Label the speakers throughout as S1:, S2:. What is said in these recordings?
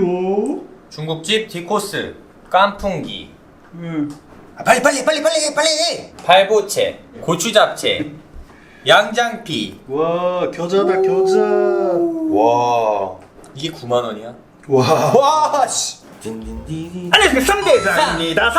S1: 뭐지요?
S2: 중국집 디코스 깐풍기
S3: 빨리.
S2: 팔보채 고추잡채 양장피.
S1: 와 겨자다 겨자.
S3: 와.
S2: 이게 9만원이야?
S3: 와 씨.
S1: 안녕하십니까 삼대장입니다.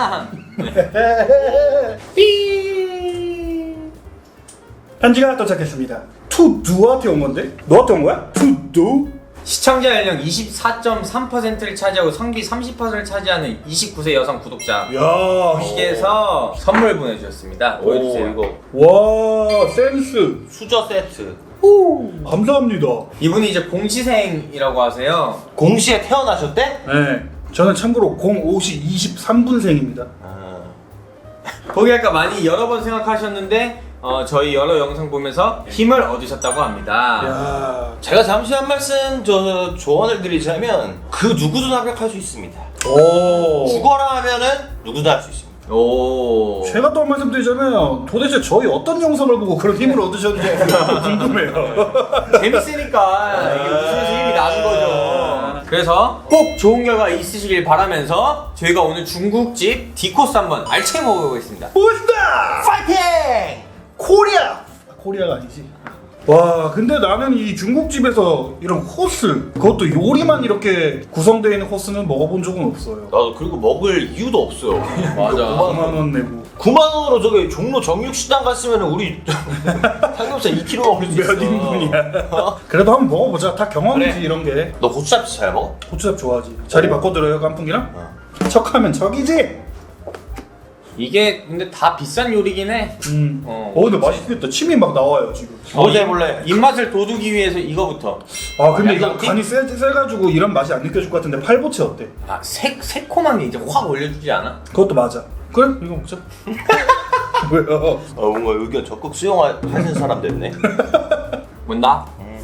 S1: 편지가 도착했습니다. 투 누구한테 온 건데? 너한테 온 거야? 투 누?
S2: 시청자 연령 24.3%를 차지하고 성비 30%를 차지하는 29세 여성 구독자
S1: 야.
S2: 분께서 선물 보내주셨습니다. 보여주세요.
S3: 이거
S1: 와 센스.
S3: 수저 세트.
S1: 감사합니다.
S2: 이분이 이제 공시생이라고 하세요.
S3: 공시에 태어나셨대?
S1: 네. 저는 참고로 05시 23분생입니다.
S2: 거기 아까 많이 여러 번 생각하셨는데 저희 여러 영상 보면서 힘을 얻으셨다고 합니다.
S1: 야.
S3: 제가 잠시 한 말씀 조언을 드리자면 그 누구도 합격할 수 있습니다.
S1: 오.
S3: 죽어라 하면은 누구도 할 수 있습니다.
S2: 오.
S1: 제가 또 한 말씀 드리자면 도대체 저희 어떤 영상을 보고 그런 힘을 얻으셨는지 궁금해요.
S2: 재밌으니까 이게 웃으면서 힘이 나는 거죠. 그래서 꼭 좋은 결과 있으시길 바라면서 저희가 오늘 중국집 디코스 한번 알채 먹어보겠습니다.
S1: 멋있다!
S3: 파이팅!
S1: 코리아! 코리아가 아니지. 와 근데 나는 이 중국집에서 이런 코스 그것도 요리만 이렇게 구성되어 있는 코스는 먹어본 적은 없어요.
S3: 나도 그리고 먹을 이유도 없어요.
S2: 맞아.
S1: 9만원 내고
S3: 9만 원으로 저기 종로 정육시장 갔으면 우리 삼겹살 2kg 먹을 수 있어.
S1: 몇 인분이야. 그래도 한번 먹어보자. 다 경험이지.
S2: 그래.
S1: 이런 게.
S3: 너 고추잡채 잘 먹어?
S1: 고추잡 좋아하지. 자리 바꿔들어요 깐풍기랑? 척하면 척이지?
S2: 이게 근데 다 비싼 요리긴 해.
S1: 근데 맛있겠다. 침이 막 나와요 지금.
S3: 어제 몰래
S2: 입맛을 돋우기 위해서 이거부터.
S1: 아 근데 이거
S2: 양념
S1: 간이 세가지고 이런 맛이 안 느껴질 것 같은데 팔보채 어때?
S2: 새콤한 게 이제 확 올려주지 않아?
S1: 그것도 맞아. 그래? 이거 먹자. 왜요?
S3: 뭔가 의견 적극 수용하는 사람 됐네.
S2: 뭔다?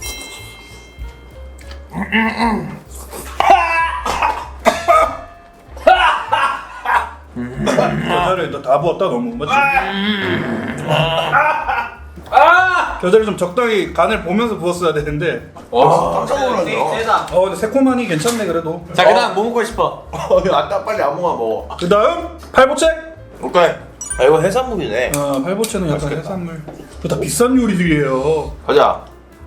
S1: 겨자를 너 다 부었다 너무 맞지? 겨자를 좀 적당히 간을 보면서 부었어야 되는데.
S3: 깜짝 놀랐네.
S2: 세다.
S1: 근데 새콤하니 괜찮네 그래도.
S2: 자 그다음 뭐 먹고 싶어?
S3: 아따 빨리 아무거나 먹어.
S1: 그 다음 팔보채.
S3: 오케이. 아 이거 해산물이네.
S1: 팔보채는 약간
S3: 맛있겠다.
S1: 해산물. 그거 다 비싼 요리들이에요.
S3: 가자.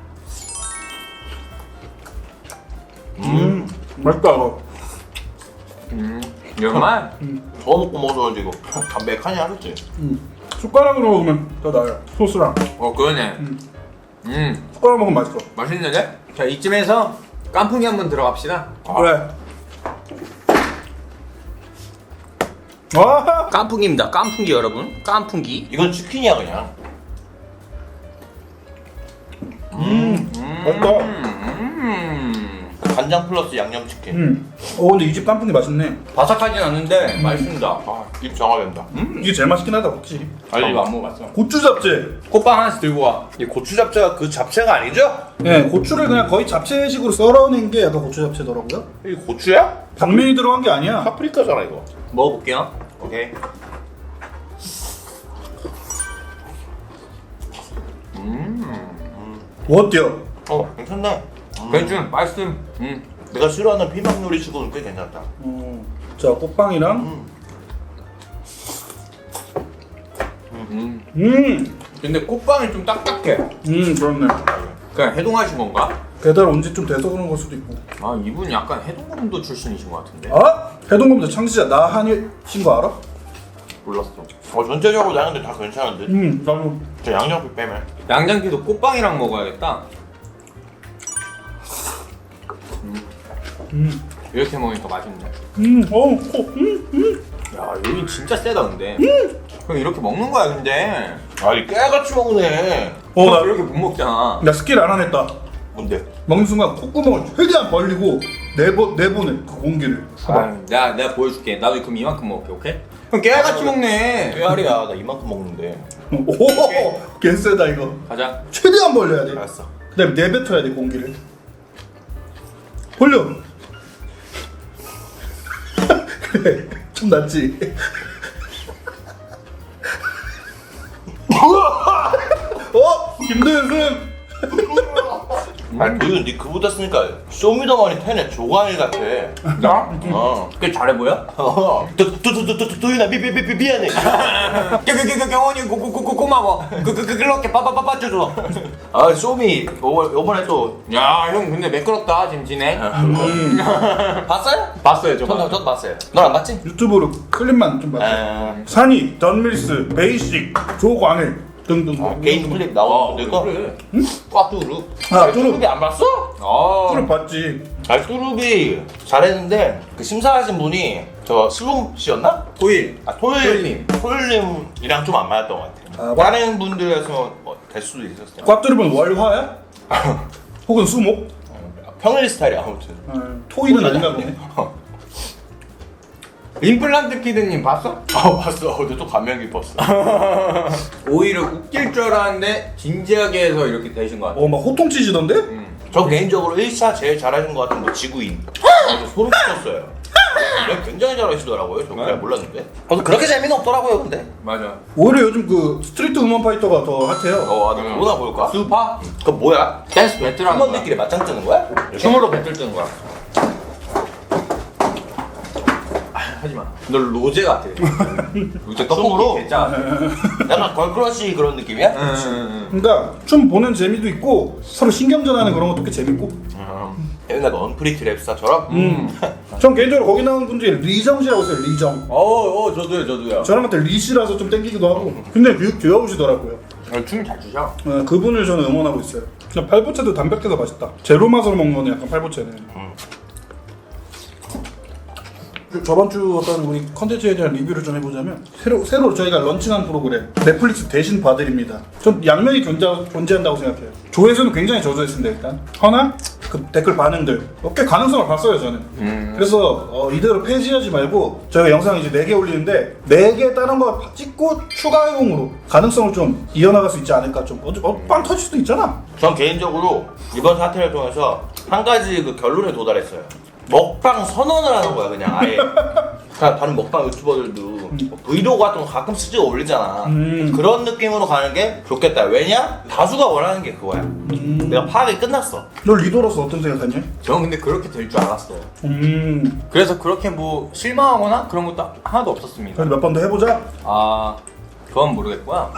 S1: 맛있다 이거.
S2: 정말?
S3: 더 먹고 먹어야지 이거. 담백하니 하겠지.
S1: 숟가락으로 먹으면 더 나아요. 소스랑.
S2: 그러네.
S1: 숟가락 먹으면 맛있어.
S2: 맛있는데? 자 이쯤에서 깐풍기 한번 들어갑시다.
S1: 그래. 와.
S2: 깐풍기입니다. 깐풍기 여러분. 깐풍기.
S3: 이건 치킨이야 그냥.
S1: 맛있다.
S3: 간장 플러스 양념치킨.
S1: 근데 이 집 깐풍기 맛있네.
S2: 바삭하진 않는데 맛있습니다.
S3: 입 정화된다.
S1: 이게 제일 맛있긴 하다 확실히.
S2: 아니 이거 안 먹어봤어.
S1: 고추 잡채.
S2: 꽃빵 하나씩 들고 와.
S3: 이 고추 잡채가 그 잡채가 아니죠?
S1: 네, 고추를 그냥 거의 잡채식으로 썰어낸 게 약간 고추 잡채더라고요.
S3: 이 고추야?
S1: 당면이 들어간 게 아니야.
S3: 파프리카잖아 이거.
S2: 먹어볼게요.
S3: 오케이.
S1: 뭐 어때요?
S3: 괜찮네.
S2: 괜찮. 맛있음.
S3: 내가 싫어하는 피망 요리 치고는 꽤 괜찮다.
S1: 자, 꽃빵이랑.
S2: 근데 꽃빵이 좀 딱딱해.
S1: 그렇네.
S2: 그냥 해동하신 건가?
S1: 배달 온 지 좀 돼서 그런 걸 수도 있고.
S2: 아 이분 약간 해동검도 출신이신 것 같은데.
S1: 아? 해동검도 창시자 나한일신 거 알아?
S2: 몰랐어.
S3: 전체적으로 나는데 다 괜찮은데.
S1: 나도.
S3: 저 양념피 빼면.
S2: 양장피도 꽃빵이랑 먹어야겠다. 이렇게 먹으니까 맛있네. 야 여긴 진짜 세다 근데. 그럼 이렇게 먹는 거야 근데.
S3: 아이 깨같이 먹네.
S2: 나 이렇게 못 먹잖아.
S1: 나 스킬 안 하냈다.
S3: 뭔데?
S1: 먹는 순간 콧구멍을 최대한 벌리고 내보내 그 공기를.
S2: 내가 보여줄게. 나도 그럼 이만큼 먹을게. 오케이? 그럼 깨알같이 먹네.
S3: 깨알이야. 나 이만큼 먹는데.
S1: 오, 개쎄다 이거.
S2: 가자.
S1: 최대한 벌려야 돼.
S3: 알았어.
S1: 그다음에 내뱉어야 돼 공기를. 벌려. 그래, 좀 낫지. 김도현 쌤.
S3: 아니 도윤 니 그보다 쓰니까 쇼미더머니 10의 조관일 같아.
S2: 나?
S3: 어.
S2: 꽤 잘해 보여?
S3: 도윤아 미안해.
S2: 경원이 고마워. 그렇게 빠빠빠빠 줘줘.
S3: 아 쇼미 요번에 또
S2: 야, 형 근데 매끄럽다 지금 진행.
S3: 봤어요?
S2: 봤어요,
S3: 저도 봤어요. 넌 안 봤지?
S1: 유튜브로 클립만 좀 봤어요. 산이, 던밀스, 베이식, 조광일 등등.
S3: 개인 클립 나오는 거.
S2: 그래. 꽈뚜루.
S1: 아,
S3: 뚜루비 안 봤어?
S1: 뚜루 봤지.
S3: 아 뚜루비 잘했는데 그 심사하신 분이 저 슬롬 씨였나?
S2: 토일.
S3: 토요일님이랑 좀 안 맞았던 것 같아요.
S1: 아,
S3: 다른 분들이었으면 될 수도 있었어요.
S1: 꽈뚜루는 월화야? 혹은 수목?
S3: 평일 스타일이 아무튼.
S1: 토일은 아닌가 보네.
S2: 임플란트 키드님 봤어?
S3: 봤어. 근데 또 감명 깊었어.
S2: 오히려 웃길 줄 알았는데 진지하게 해서 이렇게 되신 것 같아.
S1: 막 호통 치시던데?
S3: 저 개인적으로 1차 제일 잘하신 것 같은 거 지구인. 소름 끼쳤어요. 굉장히 잘하시더라고요. 저 잘 몰랐는데. 그렇게 재미는 없더라고요, 근데.
S2: 맞아.
S1: 오히려 요즘 그 스트리트 우먼 파이터가 더 핫해요.
S3: 나도 그러나 볼까?
S2: 수파?
S3: 그 뭐야?
S2: 댄스 배틀하는 거야.
S3: 팀원들끼리 맞짱 뜨는 거야?
S2: 춤으로 배틀 뜨는 거야. 하지마. 너 로제 같아. 로제
S3: 춤으로?
S2: 떡볶이 개짜.
S3: 약간 걸크러쉬 그런 느낌이야?
S1: 그러니까 춤 보는 재미도 있고 서로 신경전하는 그런 것도 꽤 재밌고.
S3: 옛날 언프리티 랩스타처럼?
S1: 전 개인적으로 거기 나온 분 중에 리정 씨라고 있어요. 리정.
S2: 저도요.
S1: 저랑한테 리 씨라서 좀 땡기기도 하고. 근데 귀여우시더라고요.
S2: 춤 잘 추셔.
S1: 그분을 저는 응원하고 있어요. 그냥 팔보채도 담백해서 맛있다. 제로 맛으로 먹는 거는 약간 팔보채는. 저번 주 어떤 우리 컨텐츠에 대한 리뷰를 좀 해보자면 새로 저희가 런칭한 프로그램 넷플릭스 대신 봐드립니다. 전 양면이 존재한다고 생각해요. 조회수는 굉장히 저조했습니다 일단. 허나 그 댓글 반응들 꽤 가능성을 봤어요 저는. 그래서 이대로 폐지하지 말고 저희가 영상 이제 4개 올리는데 4개 다른 거 찍고 추가용으로 가능성을 좀 이어나갈 수 있지 않을까. 좀 빵 터질 수도 있잖아.
S3: 전 개인적으로 이번 사태를 통해서 한 가지 그 결론에 도달했어요. 먹방 선언을 하는 거야 그냥 아예. 그냥 다른 먹방 유튜버들도 뭐 브이로그 같은 거 가끔씩 찍어 올리잖아. 그런 느낌으로 가는 게 좋겠다. 왜냐? 다수가 원하는 게 그거야. 내가 파악이 끝났어.
S1: 너 리더로서 어떤 생각하냐?
S2: 저는 근데 그렇게 될 줄 알았어요. 그래서 그렇게 뭐 실망하거나 그런 것도 하나도 없었습니다.
S1: 그래서 몇 번 더 해보자.
S2: 그건 모르겠고요.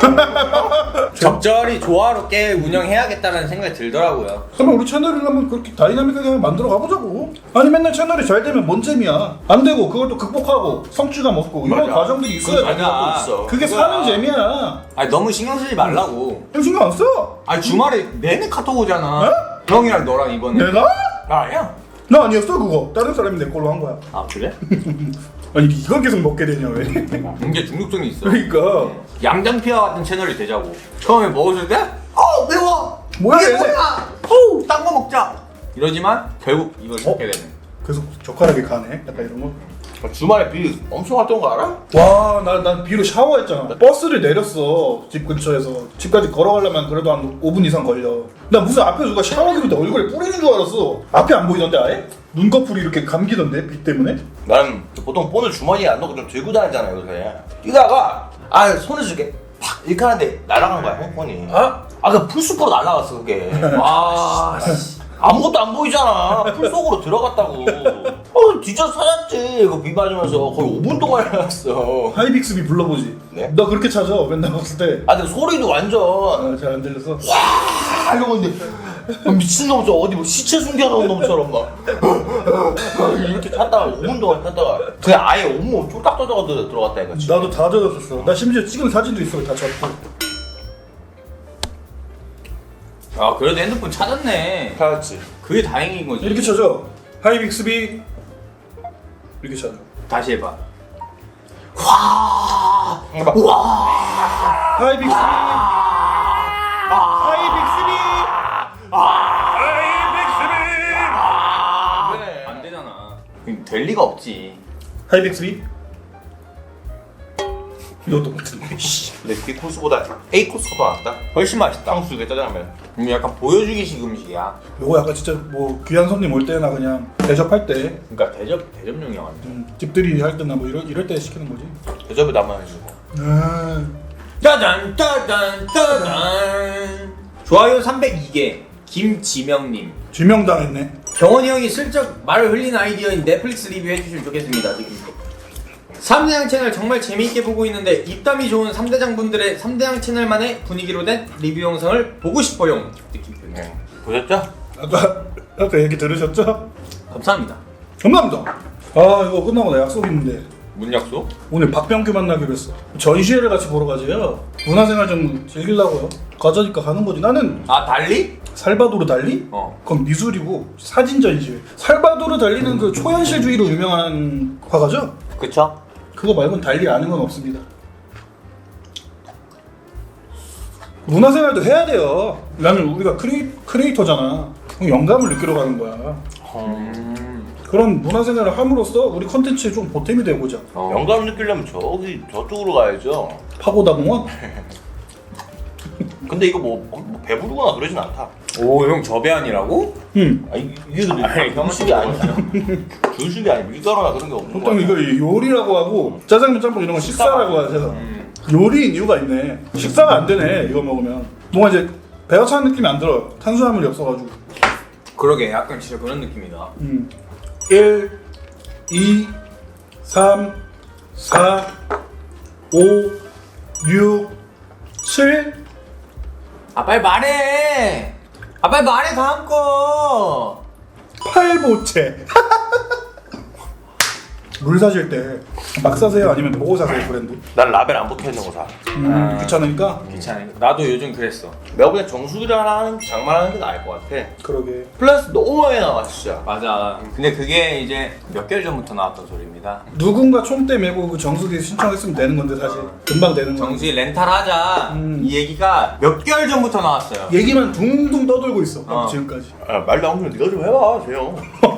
S2: 적절히 조화롭게 운영해야겠다는 생각이 들더라고요.
S1: 그러면 우리 채널을 한번 그렇게 다이나믹하게 만들어 가보자고. 아니 맨날 채널이 잘 되면 뭔 재미야. 안 되고 그걸 또 극복하고 성취감 얻고 이런
S3: 맞아.
S1: 과정들이 있어야 돼.
S2: 맞아.
S3: 있어.
S1: 그게
S2: 그거야.
S1: 사는 재미야.
S2: 아니 너무 신경 쓰지 말라고.
S1: 형 신경 안 써?
S2: 아니 주말에 내내 카톡 오잖아.
S1: 어?
S2: 형이랑 너랑 이번에.
S1: 내가?
S2: 나 아니야.
S1: 나 아니었어 그거. 다른 사람이 내 걸로 한 거야.
S2: 아 그래?
S1: 아니 이걸 계속 먹게 되냐 왜?
S2: 이게 중독성이 있어.
S1: 그러니까
S2: 양장피아 같은 채널이 되자고. 처음에 먹었을 때 매워.
S1: 뭐야
S2: 이게
S1: 얘네?
S2: 뭐야? 딴 거 먹자. 이러지만 결국 이걸 찾게 되는.
S1: 계속 젓가락이 가네. 약간 이런 거.
S3: 주말에 비 엄청 왔던 거 알아?
S1: 와, 난 비로 샤워했잖아. 버스를 내렸어. 집 근처에서. 집까지 걸어가려면 그래도 한 5분 이상 걸려. 나 무슨 앞에 누가 샤워기로 내 얼굴에 뿌리는 줄 알았어. 앞이 안 보이던데 아예? 눈꺼풀이 이렇게 감기던데 비 때문에?
S3: 난 보통 폰을 주머니에 안 넣고 좀 들고 다니잖아요 요새. 뛰다가 손을 이렇게 팍 이렇게 하는데 날아간 거야 핸폰이. 그 풀숲으로 날아갔어 그게.
S2: 와.
S3: 아무것도 안 보이잖아. 풀 속으로 들어갔다고. 뒤져 찾았지. 그 비 맞으면서 거의 5분 동안 해놨어.
S1: 하이빅스비 불러보지.
S3: 네?
S1: 나 그렇게 찾아. 맨날 봤을 때.
S3: 근데 소리도 완전
S1: 잘 안 들려서.
S3: 이러고 있는데 미친놈처럼 어디 뭐 시체 숨겨놓은 놈처럼 막 이렇게 찾다가 5분 동안 찾다가 그냥 아예 온몸 쫄딱 떠져가 들어갔다 이거.
S1: 나도 다 젖었었어. 나 심지어 찍은 사진도 있어. 다 젖고.
S2: 그래도 핸드폰 찾았네.
S3: 찾았지.
S2: 그게 다행인 거지.
S1: 이렇게 찾아. 하이빅스비 이렇게 찾아.
S2: 다시 해봐.
S1: 하이빅스비. 하이빅스비.
S3: 그래.
S2: 안 되잖아. 될 리가 없지.
S1: 하이빅스비. 이것도 못했네.
S3: 근데 B 코스보다 A 코스가 더 낫다.
S2: 훨씬 맛있다.
S3: 탕수육에 짜장면.
S2: 약간 보여주기식 음식이야.
S1: 요거 약간 진짜 뭐 귀한 손님 올 때나 그냥 대접할 때
S2: 그러니까 대접용이야 완전.
S1: 집들이 할 때나 뭐 이럴 때 시키는 거지.
S3: 대접에 남아해주고.
S2: 짜잔 짜잔 짜잔. 좋아요 302개. 김지명님.
S1: 지명당했네.
S2: 경원이 형이 슬쩍 말을 흘린 아이디어인 넷플릭스 리뷰 해주시면 좋겠습니다. 3대장 채널 정말 재미있게 보고 있는데 입담이 좋은 3대장 분들의 3대장 채널만의 분위기로 된 리뷰 영상을 보고 싶어요. 느낌표.
S3: 네. 보셨죠?
S1: 아까 얘기 들으셨죠?
S2: 감사합니다.
S1: 감사합니다. 아 이거 끝나고 나 약속 있는데
S2: 문 약속?
S1: 오늘 박병규 만나기로 했어. 전시회를 같이 보러 가지요. 문화생활 좀 즐기려고요. 가자니까 가는 거지. 나는
S2: 아 달리?
S1: 살바도르 달리? 그건 미술이고 사진 전시회. 살바도르 달리는 그 초현실주의로 유명한 화가죠?
S3: 그쵸?
S1: 그거 말고는 달리 아는 건 없습니다. 문화생활도 해야 돼요. 나는 우리가 크리에이터잖아. 영감을 느끼러 가는 거야. 그런 문화생활을 함으로써 우리 컨텐츠에 좀 보탬이 되고자.
S3: 영감 느끼려면 저쪽으로 가야죠.
S1: 파고다 공원?
S3: 근데 이거 뭐 배부르거나 그러진 않다.
S2: 오 형 저배안이라고?
S1: 응.
S3: 아니 이게 근데 줄식이 아니야. 줄식이 아니 밀가루나 그런 게 없는
S1: 보통
S3: 거야.
S1: 이거 요리라고 하고 짜장면 짬뽕 이런 건 식사라고 하죠. 요리인 이유가 있네. 식사가 안 되네 이거 먹으면. 뭔가 이제 배가 차는 느낌이 안 들어. 탄수화물이 없어가지고.
S2: 그러게 약간 진짜 그런 느낌이다.
S1: 1, 2, 3, 4, 5, 6, 7.
S2: 아 빨리 말해. 아 빨리 말해 다음 거.
S1: 팔보채. 물 사실 때 막 사세요? 아니면 보고 사세요 브랜드?
S3: 난 라벨 안 붙어 있는 거 사.
S1: 귀찮으니까?
S2: 괜찮아. 나도 요즘 그랬어.
S3: 내가 그냥 정수기를 하나 장만하는 게 나을 것 같아.
S1: 그러게.
S3: 플러스 너무 많이 나와 진짜.
S2: 맞아. 근데 그게 이제 몇 개월 전부터 나왔던 소리입니다.
S1: 누군가 총대 메고 그 정수기 신청했으면 되는 건데 사실 금방 되는 거.
S2: 정수기 렌탈하자. 이 얘기가 몇 개월 전부터 나왔어요.
S1: 얘기만 둥둥 떠돌고 있어.
S2: 어.
S1: 지금까지.
S3: 아, 말 나오면 네가 좀 해봐, 재영.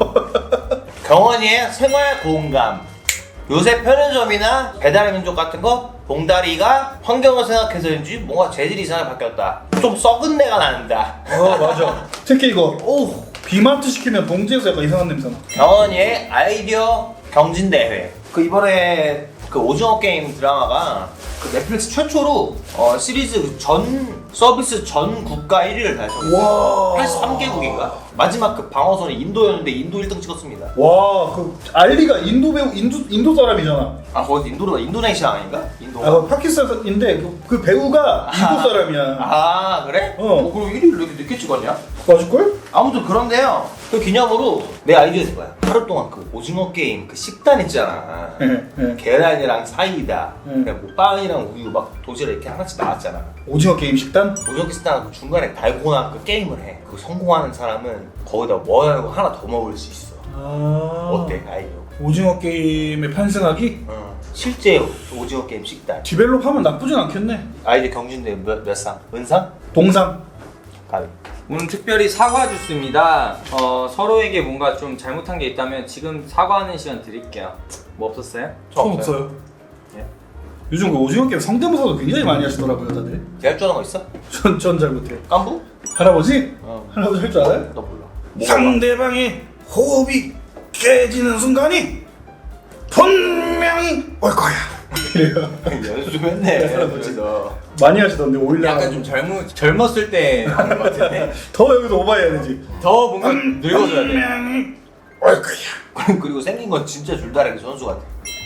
S3: 경원이의 생활 공감. 요새 편의점이나 배달의 민족 같은 거 봉다리가 환경을 생각해서인지 뭔가 재질이 이상하게 바뀌었다. 좀 썩은 내가 난다.
S1: 맞아. 특히 이거 비마트 시키면 봉지에서 약간 이상한 냄새 나.
S3: 경원이의 아이디어 경진대회. 그 이번에 그 오징어 게임 드라마가 그 넷플릭스 최초로 시리즈 전 서비스 전 국가 1위를 달성했어요.
S1: 와.
S3: 83개국인가? 마지막 그 방어선이 인도였는데 인도 1등 찍었습니다.
S1: 와, 그 알리가 인도 배우 인도 사람이잖아.
S3: 아 거기 인도네시아 아닌가? 인도.
S1: 아, 파키스탄인데 그 배우가 인도 사람이야.
S3: 아 그래? 그럼 1위를 왜 이렇게 늦게 찍었냐?
S1: 맞을걸?
S3: 아무튼 그런데요. 그 기념으로 내 아이디어는 거야. 하루 동안 그 오징어 게임 그 식단 있잖아.
S1: 네.
S3: 계란이랑 사이다,
S1: 네.
S3: 그냥 뭐 빵이랑 우유 막 도시락 이렇게 하나씩 나왔잖아.
S1: 오징어 게임 식단?
S3: 오징어 식단 그 중간에 달고나 그 게임을 해. 그 성공하는 사람은 거기다 원하는 거 하나 더 먹을 수 있어. 어때 아이디어?
S1: 오징어 게임에 편승하기?
S3: 실제 오징어 게임 식단.
S1: 디벨롭하면 나쁘진 않겠네.
S3: 아이디어 경진대 몇 상? 은상?
S1: 동상.
S3: 가위.
S2: 오늘 특별히 사과 주스입니다. 서로에게 뭔가 좀 잘못한 게 있다면 지금 사과하는 시간 드릴게요. 뭐 없었어요?
S1: 처음 없어요.
S2: 예.
S1: 요즘 그 오징어 게임 성대모사도 굉장히 많이 하시더라고요 다들.
S3: 대학 줄 아는 거 있어?
S1: 전 잘 못해.
S3: 깐부?
S1: 할아버지?
S3: 어.
S1: 할아버지 할 줄 알아요?
S3: 나 몰라.
S1: 상대방의 호흡이 깨지는 순간이 분명히 올 거야. 이래요.
S3: 연습했네.
S1: 할아버지.
S3: 너.
S1: 많이 하시던데 오일라.
S2: 약간 좀 젊었을 때 하는 것 같은데
S1: 더 여기서 오버해야 되지.
S2: 더 뭔가 늙어져야 돼.
S1: 분명히 올 거야.
S3: 그리고 생긴 건 진짜 줄다리기 선수 같아.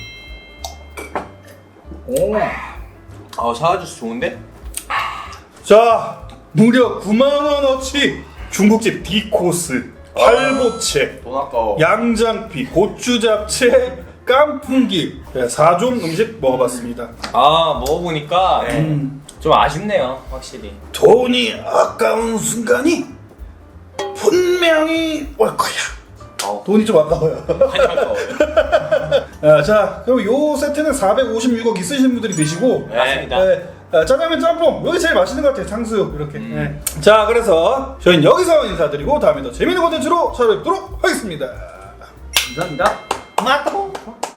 S2: 오. 사과 주스 좋은데?
S1: 자, 무려 9만원어치 중국집 디코스, 팔보채,
S3: 돈 아까워.
S1: 양장피, 고추 잡채, 깐풍기 4종 음식 먹어봤습니다.
S2: 먹어보니까 좀 아쉽네요 확실히.
S1: 돈이 아까운 순간이 분명히 올 거야. 돈이 좀 아까워요.
S2: 많이 아까워요.
S1: 자, 그럼 요 세트는 456억 있으신 분들이 드시고
S2: 맞습니다.
S1: 짜장면 짬뽕 여기 제일 맛있는 것 같아요. 탕수육 이렇게. 네. 자, 그래서 저희는 여기서 인사드리고 다음에 더 재밌는 콘텐츠로 찾아뵙도록 하겠습니다.
S2: 감사합니다.
S3: 맞다.